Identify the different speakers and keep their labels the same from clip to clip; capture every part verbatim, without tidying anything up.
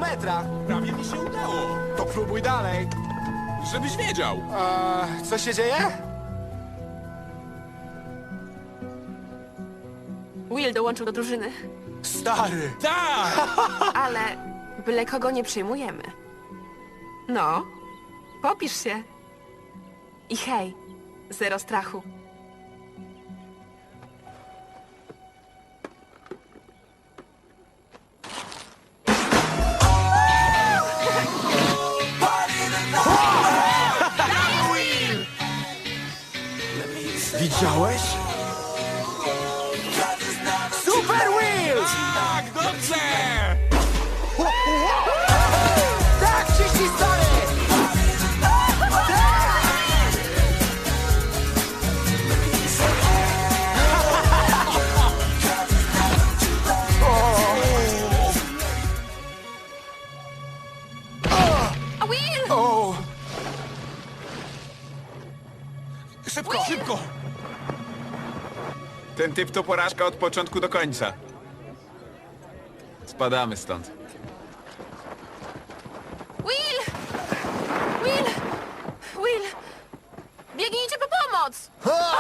Speaker 1: metra.
Speaker 2: Prawie mi się udało.
Speaker 1: To próbuj dalej.
Speaker 2: Żebyś wiedział.
Speaker 1: Eee, co się dzieje?
Speaker 3: Will dołączył do drużyny,
Speaker 1: Stary.
Speaker 2: Tak!
Speaker 3: ale byle kogo nie przyjmujemy. No, popisz się. I hej, zero strachu.
Speaker 1: Widziałeś? Super Wheels!
Speaker 2: Tak, dobrze!
Speaker 1: Tak, ciśnij, stary!
Speaker 3: A Will!
Speaker 1: O,
Speaker 2: Szybko, szybko! Ten typ to porażka od początku do końca. Spadamy stąd.
Speaker 3: Will! Will! Will! Biegnijcie po pomoc!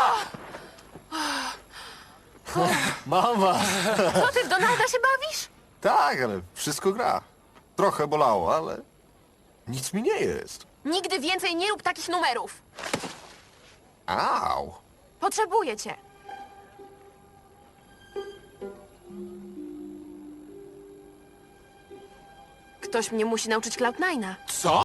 Speaker 4: Mama!
Speaker 3: Co ty, w Donalda się bawisz?
Speaker 4: Tak, ale wszystko gra. Trochę bolało, ale nic mi nie jest.
Speaker 3: Nigdy więcej nie rób takich numerów.
Speaker 4: Au!
Speaker 3: Potrzebuję cię. Ktoś mnie musi nauczyć Cloud Nine'a.
Speaker 2: Co?